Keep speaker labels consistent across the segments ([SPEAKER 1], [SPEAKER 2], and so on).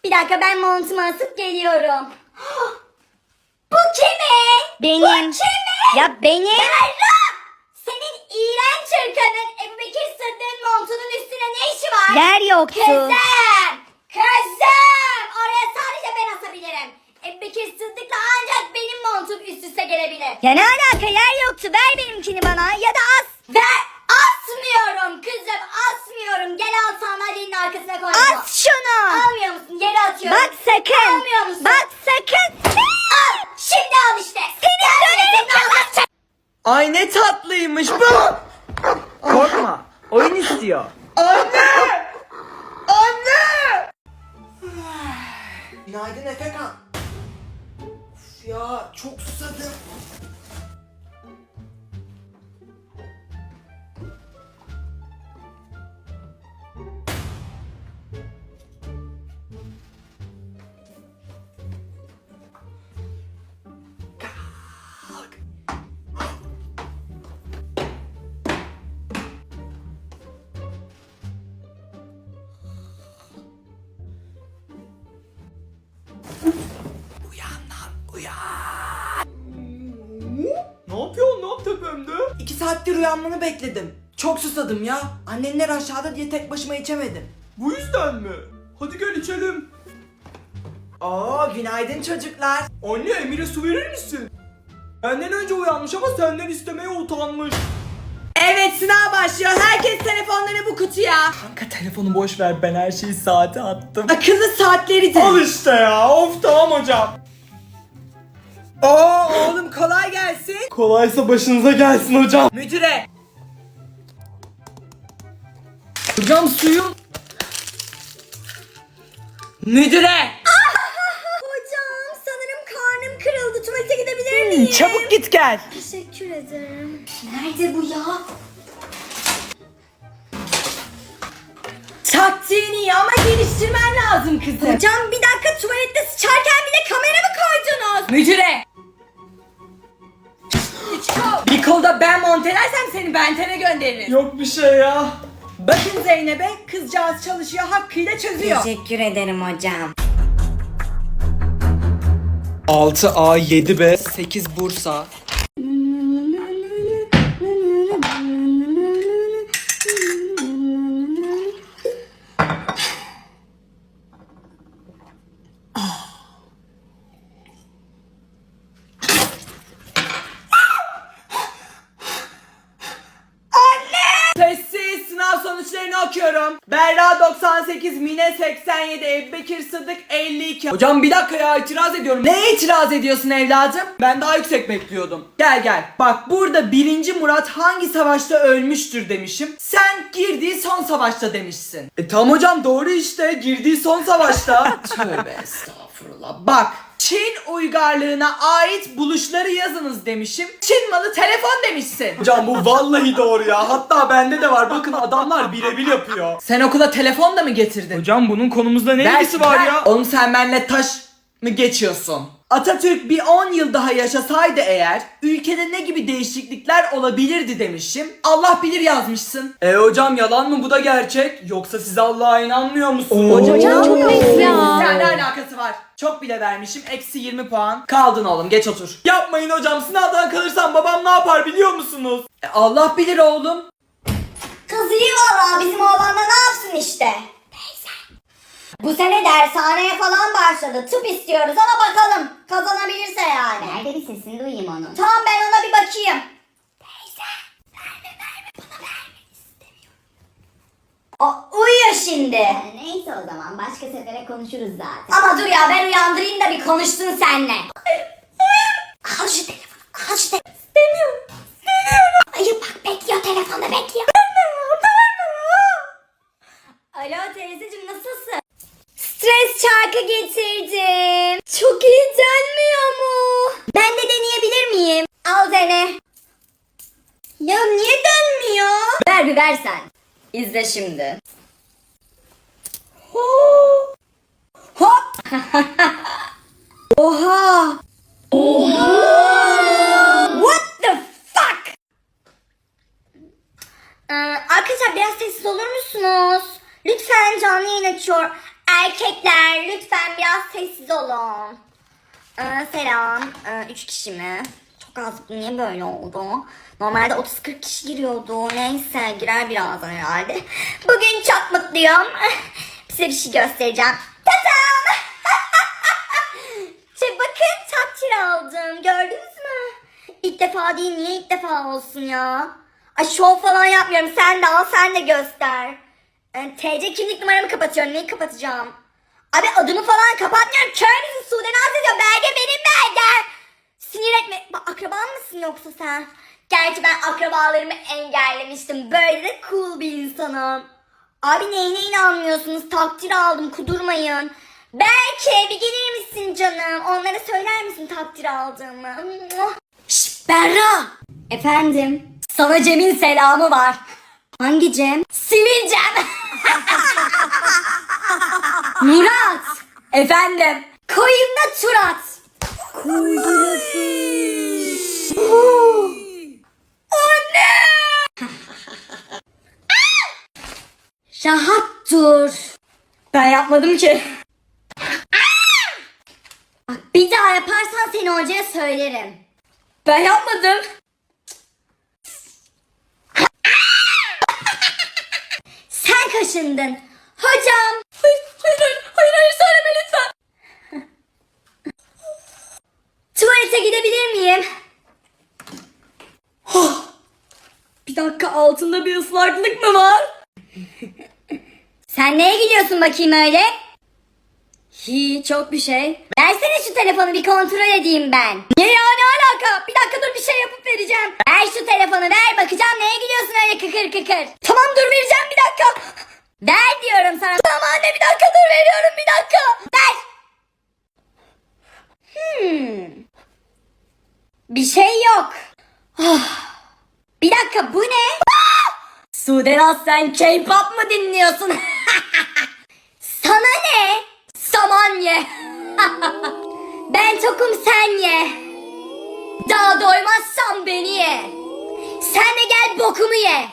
[SPEAKER 1] Bir dakika, ben montumu asıp geliyorum. Bu kimin? Benim. Bu kimin? Ya benim. Berra! Senin iğrenç hırkanın Ebubekir Sıddık'ın montunun üstüne ne işi var? Yer yoktu. Kızım! Kızım! Oraya sadece ben asabilirim. Ebubekir Sıddık'la ancak benim montum üst üste gelebilir. Ya ne alaka, yer yoktu. Ver benimkini bana ya da as. Ver! Asmıyorum kızım, asmıyorum. Gel al, sandalyenin arkasına koy. As şunu. Almıyor musun? Yere atıyorum. Bak sakın. Almıyor musun? Bak sakın. Al. Şimdi al işte. Seni dönerim.
[SPEAKER 2] Ay ne tatlıymış bu. Korkma. Oyun istiyor. Anne! Anne! Günaydın Efekan. Of ya, çok susadım. Ne yapıyorsun lan tepemde? 2 saattir uyanmanı bekledim. Çok susadım ya. Annenler aşağıda diye tek başıma içemedim. Bu yüzden mi? Hadi gel içelim. Oo, günaydın çocuklar. Anne, Emir'e su verir misin? Benden önce uyanmış ama senden istemeye utanmış. Evet, sınav başlıyor. Herkes telefonlarını bu kutuya. Kanka telefonu boş ver, ben her şeyi saate attım. Akıllı saatleri de. Al işte ya. Of, tamam hocam. Oo oğlum, kolay gelsin. Kolaysa başınıza gelsin hocam. Müdüre. Hocam suyum. Müdüre.
[SPEAKER 1] Hocam, sanırım karnım kırıldı. Tuvalete gidebilir miyim?
[SPEAKER 2] Çabuk git gel.
[SPEAKER 1] Teşekkür ederim. Nerede bu ya?
[SPEAKER 2] Taktiğin iyi ama geliştirmen lazım kızım.
[SPEAKER 1] Hocam bir dakika, tuvalette sıçarken bile kamera mı koydunuz?
[SPEAKER 2] Müdüre. Bir kolda ben montelersem seni Benten'e gönderirim. Yok bir şey ya. Bakın Zeynep'e, kızcağız çalışıyor, hakkıyla çözüyor.
[SPEAKER 1] Teşekkür ederim hocam.
[SPEAKER 3] 6A, 7B, 8 Bursa.
[SPEAKER 2] Sessiz, sınav sonuçlarını okuyorum. Berra 98, Mine 87, Ebubekir Sıddık 52. Hocam bir dakika ya, itiraz ediyorum. Neye itiraz ediyorsun evladım? Ben daha yüksek bekliyordum. Gel gel. Bak, burada 1. Murat hangi savaşta ölmüştür demişim. Sen girdiği son savaşta demişsin. Tamam hocam, doğru işte. Girdiği son savaşta. Tövbe estağfurullah. Bak, Çin uygarlığına ait buluşları yazınız demişim. Çin malı telefon demişsin. Hocam bu vallahi doğru ya. Hatta bende de var. Bakın, adamlar birebir yapıyor. Sen okula telefon da mı getirdin?
[SPEAKER 3] Hocam bunun konumuzda ne ilgisi var ya?
[SPEAKER 2] Oğlum sen benimle taş mı geçiyorsun? Atatürk bir 10 yıl daha yaşasaydı eğer, ülkede ne gibi değişiklikler olabilirdi demişim. Allah bilir yazmışsın. Hocam, yalan mı bu da gerçek? Yoksa siz Allah'a inanmıyor musunuz?
[SPEAKER 1] Hocam çok ayıp ya.
[SPEAKER 2] Ne alakası var? Çok bile vermişim. Eksi 20 puan. Kaldın oğlum, geç otur. Yapmayın hocam, sınavdan kalırsam babam ne yapar biliyor musunuz? Allah bilir oğlum.
[SPEAKER 1] Kız iyi valla, bizim oğlan da ne yapsın işte. Bu sene dershaneye falan başladı. Tıp istiyoruz ama bakalım kazanabilirse yani.
[SPEAKER 4] Nerede, bir sesini duyayım onun.
[SPEAKER 1] Tamam, ben ona bir bakayım. Teyze, verme bana, verme, istemiyorum. O uyuyor şimdi.
[SPEAKER 4] Neyse, o zaman başka sefere konuşuruz zaten.
[SPEAKER 1] Ama dur ya, ben uyandırayım da bir konuşsun seninle. Al şu telefonu, al şu telefonu. İstemiyorum. Hayır bak, bekliyor, telefonda bekliyor. Alo teyzeciğim, nasılsın? Stres çarkı getirdim. Çok iyi dönmüyor mu? Ben de deneyebilir miyim? Al dene. Ya niye dönmüyor? Ver bir versen. İzle şimdi. Hop. Oha. What the fuck? Arkadaşlar biraz sessiz olur musunuz? Lütfen, canlı yayın açıyor. Erkekler gençler lütfen biraz sessiz olun. Selam. 3 kişi mi? Çok az, niye böyle oldu? Normalde 30-40 kişi giriyordu. Neyse girer birazdan herhalde. Bugün çok mutluyum. Size bir şey göstereceğim. Tatam! Bakın takdir aldım. Gördünüz mü? İlk defa değil, niye ilk defa olsun ya? Ay şov falan yapmıyorum. Sen de al, sen de göster. TC kimlik numaramı kapatıyorum. Neyi kapatacağım? Abi adımı falan kapatmıyorum. Kör müsün? Sude naz ediyor. Belge benim belgem. Sinir etme. Bak, akraban mısın yoksa sen? Gerçi ben akrabalarımı engellemiştim. Böyle de cool bir insanım. Abi neyine inanmıyorsunuz? Takdir aldım, kudurmayın. Belki bir gelir misin canım? Onlara söyler misin takdir aldığımı? Şşş Berra. Efendim? Sana Cem'in selamı var. Hangi Cem? Sivil Cem. Murat. Efendim? Koyunla Turat. Anne. Rahat dur. Ben yapmadım ki. Bak bir daha yaparsan seni hocaya söylerim. Ben yapmadım. Sen kaşındın. Hocam. Hayır söyleme lütfen. Tuvalete gidebilir miyim? Bir dakika, altında bir ıslaklık mı var? Sen neye gidiyorsun bakayım öyle? Hiç, çok bir şey. Versene şu telefonu, bir kontrol edeyim ben. Ne ya, ne alaka? Bir dakika dur, bir şey yapıp vereceğim. Ver şu telefonu, ver, bakacağım neye gidiyorsun öyle kıkır kıkır. Tamam dur, vereceğim bir dakika. Ver diyorum sana. Tamam anne, bir dakika dur, veriyorum bir dakika. Ver. Bir şey yok. Bir dakika, bu ne? Sude Naz, sen K-pop mu dinliyorsun? Sana ne? Saman ye. Ben tokum, sen ye. Daha doymazsan beni ye. Sen de gel bokumu ye.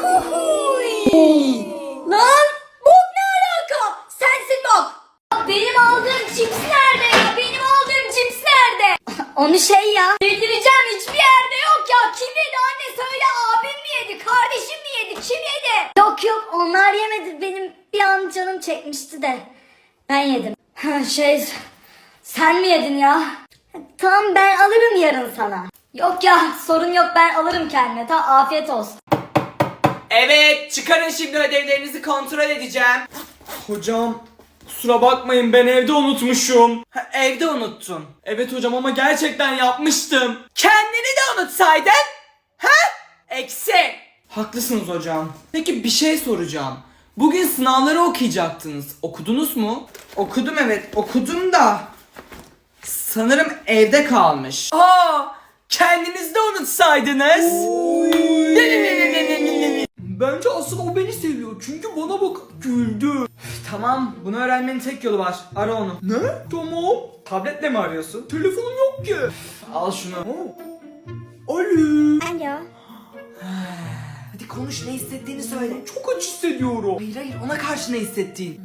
[SPEAKER 1] Lan bok ne alaka? Sensin bok. Benim aldığım cips nerede ya? Benim aldığım cips nerede? Onu şey ya. Delireceğim, hiçbir yerde yok ya. Kim yedi anne, söyle, abim mi yedi? Kardeşim mi yedi? Kim yedi? Yok onlar yemedi. Benim bir an canım çekmişti de. Ben yedim. Sen mi yedin ya? Tamam, ben alırım yarın sana. Yok ya, sorun yok, ben alırım kendime. Tamam, afiyet olsun.
[SPEAKER 2] Evet, çıkarın şimdi, ödevlerinizi kontrol edeceğim.
[SPEAKER 3] Hocam kusura bakmayın, ben evde unutmuşum.
[SPEAKER 2] Evde unuttun.
[SPEAKER 3] Evet hocam, ama gerçekten yapmıştım.
[SPEAKER 2] Kendini de unutsaydın. Eksi.
[SPEAKER 3] Haklısınız hocam.
[SPEAKER 2] Peki bir şey soracağım. Bugün sınavları okuyacaktınız. Okudunuz mu? Okudum, evet okudum da sanırım evde kalmış. Kendiniz de unutsaydınız.
[SPEAKER 3] Bence asıl o beni seviyor, çünkü bana bak güldü.
[SPEAKER 2] Tamam, bunu öğrenmenin tek yolu var. Ara onu.
[SPEAKER 3] Ne? Tamam.
[SPEAKER 2] Tabletle mi arıyorsun?
[SPEAKER 3] Telefonum yok ki.
[SPEAKER 2] Al şunu.
[SPEAKER 3] Alo.
[SPEAKER 1] Alo.
[SPEAKER 2] Hadi konuş, ne hissettiğini söyle.
[SPEAKER 3] Çok acı hissediyorum.
[SPEAKER 2] Hayır, ona karşı ne hissettiğin.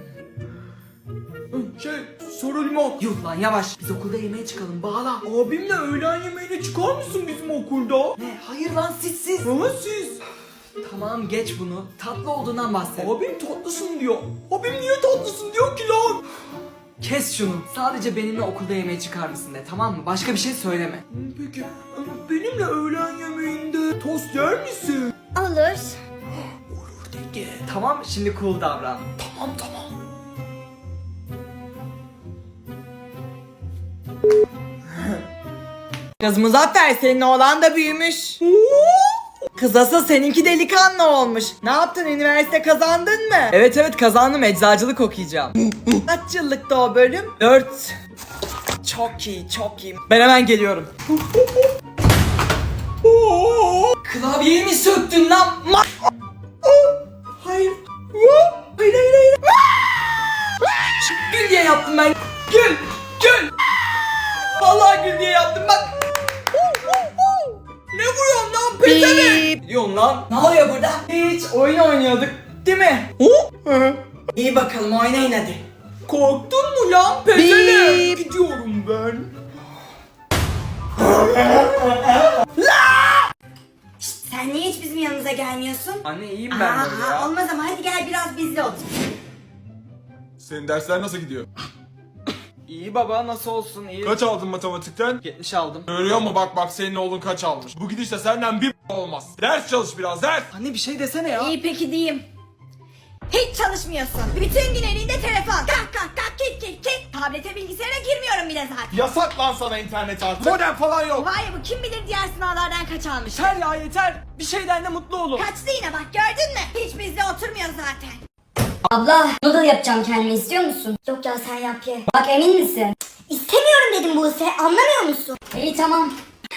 [SPEAKER 3] Sarı limon.
[SPEAKER 2] Yuh lan, yavaş. Biz okulda yemeğe çıkalım, bağla.
[SPEAKER 3] Abimle öğlen yemeğine çıkar mısın bizim okulda?
[SPEAKER 2] Ne? Hayır lan, siz.
[SPEAKER 3] Ha siz?
[SPEAKER 2] Tamam, geç bunu. Tatlı olduğundan bahset.
[SPEAKER 3] Abim tatlısın diyor. Abim niye tatlısın diyor ki lan?
[SPEAKER 2] Kes şunu. Sadece benimle okulda yemeğe çıkar mısın de, tamam mı? Başka bir şey söyleme.
[SPEAKER 3] Peki benimle öğlen yemeğinde tost yer misin?
[SPEAKER 1] Olur.
[SPEAKER 3] Olur dedi.
[SPEAKER 2] Tamam, şimdi cool davran.
[SPEAKER 3] Tamam.
[SPEAKER 2] Kız Muzaffer, senin oğlan da büyümüş. Kız asıl seninki delikanlı olmuş. Ne yaptın, üniversite kazandın mı? Evet kazandım, eczacılık okuyacağım. Kaç yıllıkta o bölüm? 4. Çok iyi. Ben hemen geliyorum. Klavyeyi mi söktün lan? Hayır. Hayır. Gül diye yaptım ben. Gül. Vallahi gül diye yaptım bak. Ne vuruyorsun lan pezevenk? Ne diyorsun lan? Ne oluyor burada? Hiç oyun oynuyorduk değil mi? İyi bakalım, oynayın hadi.
[SPEAKER 3] Korktun mu lan pezevenk? Gidiyorum ben.
[SPEAKER 1] Sen niye hiç bizim yanımıza gelmiyorsun?
[SPEAKER 2] Anne iyiyim ben böyle ya.
[SPEAKER 1] Olmaz ama hadi gel biraz bizle otur.
[SPEAKER 5] Senin dersler nasıl gidiyor?
[SPEAKER 2] İyi baba nasıl olsun iyi.
[SPEAKER 5] Kaç aldın matematikten?
[SPEAKER 2] 70 aldım.
[SPEAKER 5] Görüyor musun bak senin oğlun kaç almış. Bu gidişle senden bir olmaz. Ders çalış biraz ders.
[SPEAKER 2] Anne bir şey desene ya.
[SPEAKER 1] İyi peki diyeyim. Hiç çalışmıyorsun. Bütün gün elinde telefon. Kalk kalk kalk git. Tablete bilgisayara girmiyorum bile zaten.
[SPEAKER 5] Yasak lan sana internet artık. Modem falan yok.
[SPEAKER 1] Vay bu kim bilir diğer sınavlardan kaç almış.
[SPEAKER 2] Yeter ya yeter. Bir şeyden de mutlu olun.
[SPEAKER 1] Kaçtı yine bak gördün mü? Hiç bizle oturmuyor zaten.
[SPEAKER 4] Abla noodle yapacağım kendime, istiyor musun?
[SPEAKER 1] Yok ya sen yap ye.
[SPEAKER 4] Bak emin misin?
[SPEAKER 1] İstemiyorum dedim Buse anlamıyor musun?
[SPEAKER 4] İyi tamam.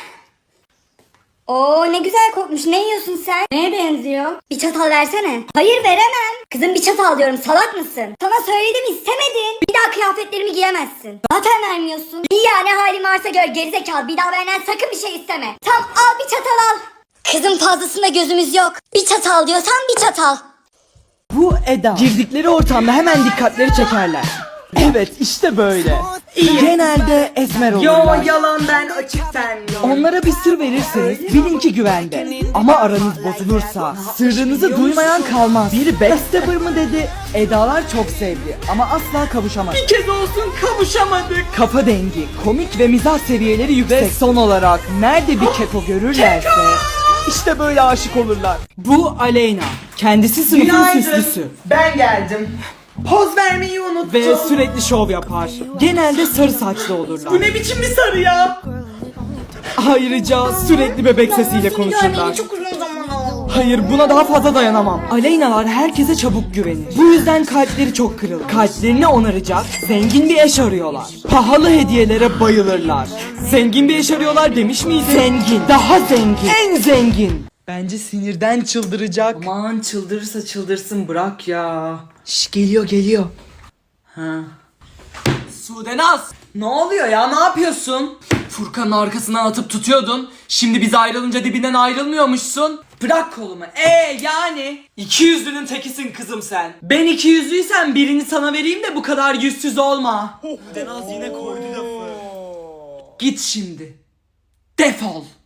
[SPEAKER 1] Oo ne güzel kokmuş. Ne yiyorsun sen? Neye benziyor?
[SPEAKER 4] Bir çatal versene.
[SPEAKER 1] Hayır veremem.
[SPEAKER 4] Kızım bir çatal diyorum, salak mısın?
[SPEAKER 1] Sana söyledim istemedin.
[SPEAKER 4] Bir daha kıyafetlerimi giyemezsin. Zaten vermiyorsun. İyi ya, ne halin varsa gör gerizekalı. Bir daha benden sakın bir şey isteme. Tam al bir çatal al. Kızım fazlasında gözümüz yok. Bir çatal diyorsan bir çatal.
[SPEAKER 2] Bu Eda. Girdikleri ortamda hemen dikkatleri çekerler. Evet işte böyle. Genelde esmer olurlar. Yo yalan ben açık tenli. Onlara bir sır verirseniz bilin ki güvende. Ama aranız bozulursa sırrınızı duymayan kalmaz. Biri backstabber mı dedi? Edalar çok sevdi ama asla kavuşamadı. Bir kez olsun kavuşamadık. Kafa dengi, komik ve mizah seviyeleri yüksek. Ve son olarak nerede bir keko görürlerse işte böyle aşık olurlar. Bu Aleyna. Kendisi sınıfın süslüsü.
[SPEAKER 3] Ben geldim. Poz vermeyi unuttum.
[SPEAKER 2] Ve sürekli şov yapar. Genelde sarı saçlı olurlar.
[SPEAKER 3] Bu ne biçim bir sarı ya?
[SPEAKER 2] Ayrıca sürekli bebek sesiyle konuşurlar.
[SPEAKER 1] Çok uzun zaman oldu.
[SPEAKER 2] Hayır buna daha fazla dayanamam. Aleynalar herkese çabuk güvenir. Bu yüzden kalpleri çok kırılır. Kalplerini onaracak zengin bir eş arıyorlar. Pahalı hediyelere bayılırlar. Zengin bir eş arıyorlar demiş miydim? Zengin. Daha zengin. En zengin. Bence sinirden çıldıracak. Aman çıldırırsa çıldırsın bırak ya. Şş geliyor. Ha. Sudenaz! Ne oluyor ya? Ne yapıyorsun? Furkan'ın arkasından atıp tutuyordun. Şimdi biz ayrılınca dibinden ayrılmıyormuşsun. Bırak kolumu. Yani? İkiyüzlünün tekisin kızım sen. Ben ikiyüzlüysem birini sana vereyim de bu kadar yüzsüz olma.
[SPEAKER 3] Sudenaz yine koydu lafı.
[SPEAKER 2] Git şimdi. Defol.